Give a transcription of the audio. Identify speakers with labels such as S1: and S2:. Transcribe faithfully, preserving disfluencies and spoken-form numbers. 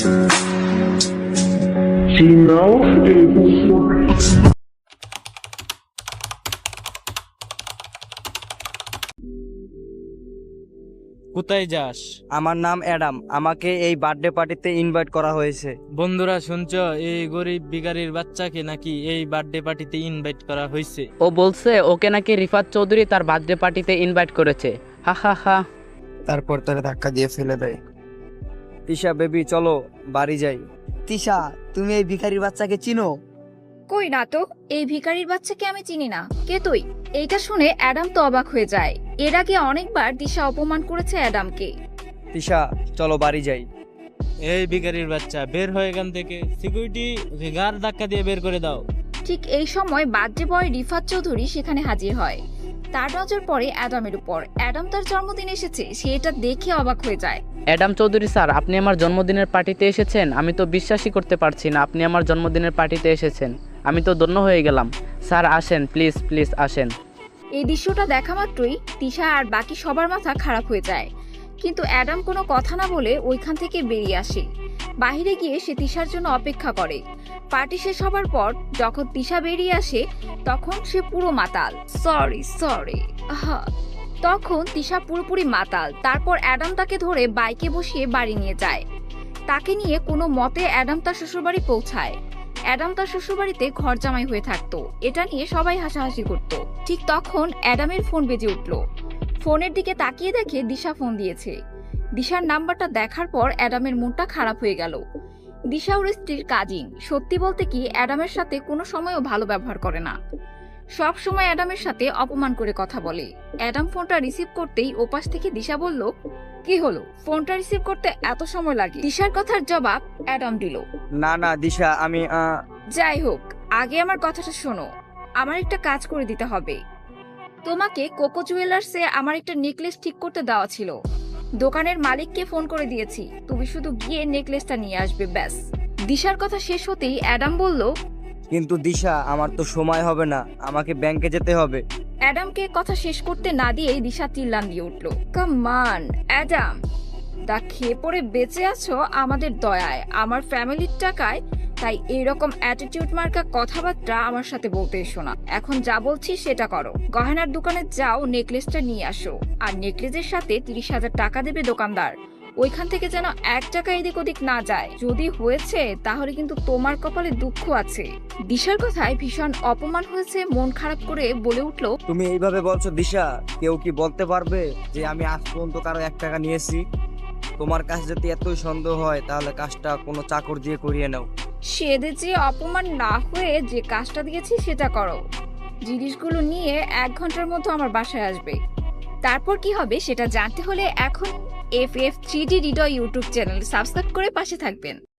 S1: কোথায় যাস?
S2: আমার নাম অ্যাডাম, আমাকে এই বার্থডে পার্টিতে ইনভাইট করা হয়েছে।
S1: বন্ধুরা শুনছো, এই গরিব ভিখারির বাচ্চাকে নাকি এই বার্থডে পার্টিতে ইনভাইট করা হয়েছে।
S3: ও বলছে ওকে নাকি রিফাত চৌধুরী তার বার্থডে পার্টিতে ইনভাইট করেছে। হা হা হা।
S2: তারপর তারা ধাক্কা দিয়ে ফেলে দেয়। তিশা বেবি চলো বাড়ি যাই।
S4: তিশা, তুমি এই ভিখারির বাচ্চাকে চিনো?
S5: কই না তো, এই ভিখারির বাচ্চাকে আমি চিনি না। কে তুই? এইটা শুনে অ্যাডাম তো অবাক হয়ে যায়। এর আগে অনেকবার দিশা অপমান করেছে অ্যাডামকে।
S2: তিশা চলো বাড়ি যাই।
S1: এই ভিখারির বাচ্চা বের হয়ে এখান থেকে। সিকিউরিটি গার ধাক্কা দিয়ে বের করে দাও।
S5: ঠিক এই সময় বার্থডে বয় রিফাত চৌধুরী সেখানে হাজির হয়। তার নজর পড়ে অ্যাডামের উপর। অ্যাডাম তার জন্মদিন এসেছে, সে এটা দেখে অবাক হয়ে যায়।
S3: অ্যাডাম চৌধুরী স্যার, আপনি আমার জন্মদিনের পার্টিতে এসেছেন? আমি তো বিশ্বাসই করতে পারছি না আপনি আমার জন্মদিনের পার্টিতে এসেছেন। আমি তো ধন্য হয়ে গেলাম। স্যার আসেন, প্লিজ প্লিজ আসেন।
S5: এই দৃশ্যটা দেখা মাত্রই তিশা আর বাকি সবার মাথা খারাপ হয়ে যায়। কিন্তু অ্যাডাম কোনো কথা না বলে ওইখান থেকে বেরিয়ে আসে। বাহিরে গিয়ে সে তিশার জন্য অপেক্ষা করে। পার্টি শেষ হবার পর যখন তিশা বেরিয়ে আসে তখন সে পুরো মাতাল। সরি সরি তখন তিশা পুরোপুরি মাতাল। তারপর অ্যাডাম তাকে ধরে বাইকে বসিয়ে বাড়ি নিয়ে যায়। তাকে নিয়ে কোনো মতে অ্যাডাম তার শ্বশুরবাড়ি পৌঁছায়। অ্যাডাম তার শ্বশুরবাড়িতে ঘর জামাই হয়ে থাকতো। এটা নিয়ে সবাই হাসাহাসি করত। ঠিক তখন অ্যাডামের ফোন বেজে উঠল। ফোনের দিকে তাকিয়ে দেখে দিশা ফোন দিয়েছে। দিশার নাম্বারটা দেখার পর অ্যাডামের মনটা খারাপ হয়ে গেল। দিশা ওর স্ত্রীর কাজিন। সত্যি বলতে কি অ্যাডামের সাথে কোনো সময়ও ভালো ব্যবহার করে না, সব সময় অ্যাডামের সাথে অপমান করে কথা বলে। অ্যাডাম ফোনটা রিসিভ করতেই ওপাশ থেকে দিশা বলল, কি হলো, ফোনটা রিসিভ করতে এত সময় লাগে? দিশার কথার জবাব অ্যাডাম দিল,
S2: না না দিশা, আমি আহ,
S5: যাই হোক, আগে আমার কথাটা শোনো। আমার একটা কাজ করে দিতে হবে। তোমাকে কোকো জুয়েলার্সে আমার একটা নেকলেস ঠিক করতে দেওয়া ছিল। দোকানের মালিককে ফোন করে দিয়েছি, তুমি শুধু গিয়ে নেকলেসটা নিয়ে আসবে, ব্যাস। দিশার কথা শেষ হতেই অ্যাডাম বলল,
S2: কিন্তু দিশা আমার তো সময় হবে না, আমাকে ব্যাংকে যেতে হবে।
S5: অ্যাডামকে কথা শেষ করতে না দিয়েই দিশা চিল্লান দিয়ে উঠল, কাম অন অ্যাডাম, তা খেয়ে পড়ে বেঁচে আছো আমাদের দয়ায়, আমার ফ্যামিলির টাকায়, তাই এইরকম অ্যাটিটিউড মার্কা কথাবার্তা আমার সাথে বলতে এসো না। এখন যা বলছি সেটা করো। গহনার দোকানে যাও, নেকলেসটা নিয়ে আসো। আর নেকলেসের সাথে তিরিশ হাজার টাকা দেবে দোকানদার। ওইখান থেকে যেন এক টাকা এদিক ওদিক না যায়। যদি হয়েছে তাহলে কিন্তু তোমার কপালে দুঃখ আছে। দিশার কথায় ভীষণ অপমান হয়েছে, মন খারাপ করে বলে উঠল,
S2: তুমি এইভাবে বলছো দিশা, কেউ কি বলতে পারবে যে আমি আজ পর্যন্ত কারো এক টাকা নিয়েছি? তোমার কাছে যদি এতই সন্দেহ হয় তাহলে কাজটা কোনো চাকর দিয়ে করিয়ে নাও।
S5: সেদে যে অপমান না হয়ে যে কাজটা দিয়েছি সেটা করো। জিনিসগুলো নিয়ে এক ঘন্টার মধ্যে আমার বাসায় আসবে। তারপর কি হবে সেটা জানতে হলে এখন F F three D Hriday YouTube channel subscribe করে পাশে থাকবেন।